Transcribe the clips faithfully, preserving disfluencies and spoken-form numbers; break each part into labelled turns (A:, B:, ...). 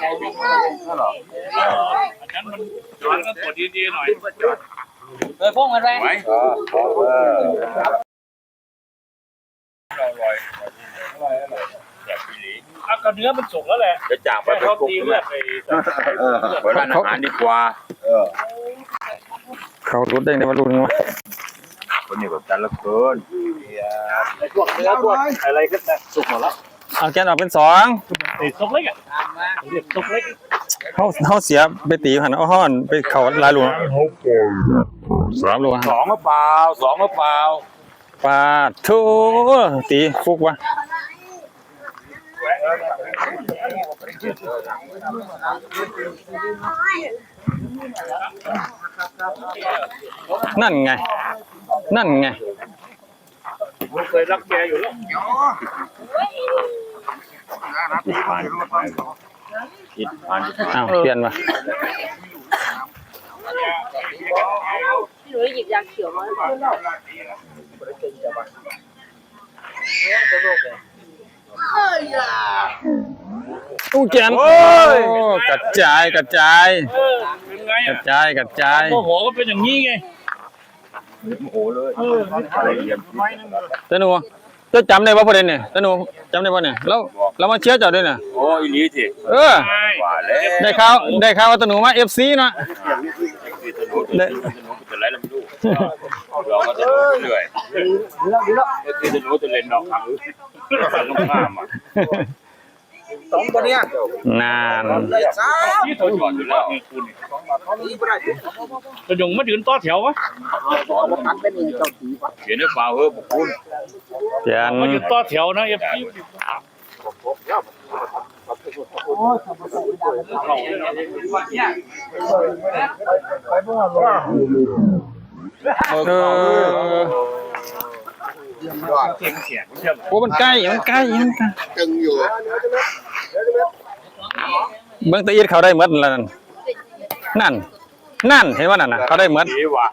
A: อันนั้นมันจอดก็กดดีๆหน่อย
B: เออพวกมันไป
A: อร่อยแบบนี้อ่ะก็เนื้อมันสุกแล้วแหละจะจากไปเป็นกุ๊กเลยเวลาอาหารดีกว่า
C: เขารุดได้ในวันรุ่นวะ
A: คนนี้แบบจันละเกินพวกเนื้อพวกอะไรก็สุกหมดแล้ว
C: เอาแกนออกเป็นสอง
A: ติดสุกเล็กอ่ะเรียกสุกเล็ก
C: เขาเขาเสียไปตีหันเอาห้อนไปเข่าลายหลวงสามโล
A: สองก็เปล่าสองก็เปล่า
C: ปลาทูตีฟุกวะนั่นไงนั่นไง
A: เคยรักแกอยู่แล้วผิดพันผิดพัน
C: อ้าวเปลี่ยนวะ
D: พี่หนูหยิบยาเขียวมา
C: ตู้แกนโอ้ยกระจายกระจายกระจายกระจาย
A: โมโหก็เป็นอย่างนี้ไงโมโหเลยอะไรเยี่ยม
C: ตนูจะจำได้ว่าประเด็นเนี่ยตนูจำได้ว่าเนี่ยแล้วเรามาเชื่อเจ้าด้วยเนี่ย
A: โอ้ยนี้สิ
C: เออได้ข่าวได้ข่าวว่าตนูมาเอฟซีเนาะ
A: ได้จะไล่เราไม่รู้เราก็จะเหนื่อยก็คือจะรู้จะเล่นดอกคำต้องข้ามอ่ะ
B: สองคนเนี้ย
C: นาน
A: ที่ถอยจอดอยู่แล้วจะยงมายืนต่อแถววะเห็นหรือเปล่าเฮ้ยบุกคุณ
C: เปลี่ยน
A: มายืนต่อแถวนะเอฟซี
C: เออโอ้มันใกล้มันใกล้มันใกล้
B: ตึงอยู่
C: เบื้องตีเขาได้เมื่อแล้วนั่นนั่นนั่นเห็นว่านั่นนะเขาได้เมื่อ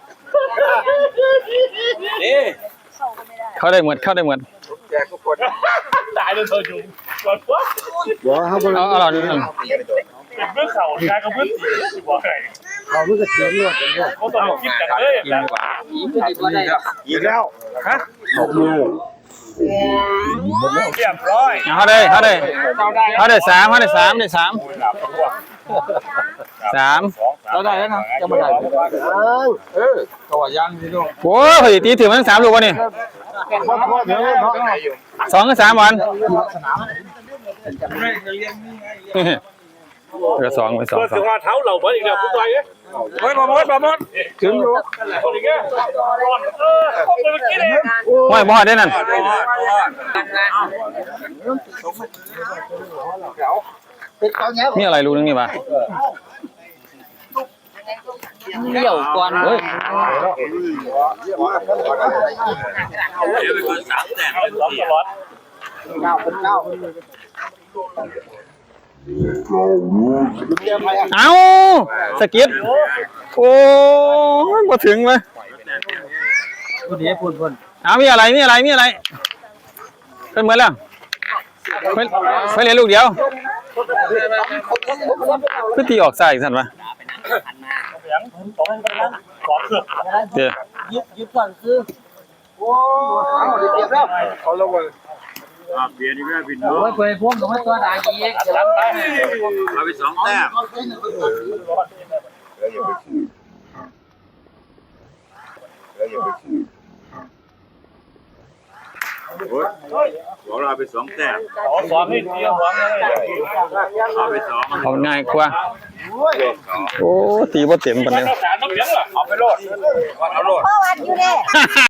C: เขาได้เมื่อเขาได้เมื่อ
A: ตายเลยเธออยู่ก่อนวะ
C: เอาเอาหล่อนนั่น
A: เป็นเมื่อเข่าชายกับเมื่อตีบอกไง
B: เขาไม่กระเทียมด้วย
A: เขาต้องคิดกันเลยกินดีกว่า
B: อีกแล้วฮะ
A: หกลูกเรียบร้อย
C: เขาได้เขาได้เขาได้สามเขาได้สามได้สามสาม
B: เราได้แล้วนะยังไม่ได้เออตัวยังสิลูก
C: โอ้ยตีถึงมันสามลูกวะนี่สองกับสามวันก็สองไปสอง
A: ก็คือว่าเท้าเราไปอีกแล้วผู้ชายเฮ้ย
B: บอมบอมถึงอยู่
A: คนอีกแล้วเออคนเมื่อกี้เลย
C: ไม่บ่ได้นั่นมีอะไรรู้นึงนี่ป่ะ
B: เลี้ยวก่อน
C: เฮ้ย
A: เดี๋ยวเป็นคนสามแต้มเป็นตลอด
B: เก้าเป็นเก้า
C: เอาสกิดโอ้มาถึงไหม
B: พูดนี้พูดพูด
C: เอามีอะไรมีอะไรมีอะไรเป็นเหมือนแล้วไปไปเรียนลูกเดียวคือตีออกใส่สั่นวะเดี๋ยว
B: ยึดยึดก่อนคือโอ้เดี๋ยวแล้ว
A: เขาลงเลยเบียร์นี่แม่พี่น้อง
B: โอ้ยไปพวกหนูมาตัวด่างอีก
A: เอาไปสองแต้มโอ้ยบอกเราไปสองแต้มสองให้เดียวสองเอาไปสอง
C: เอาง่ายกว่าโอ้ตีบ่เต็มปานนี้
A: เอาไปโลดเอาโลด
D: พ่อวัดอยู่เนี่ย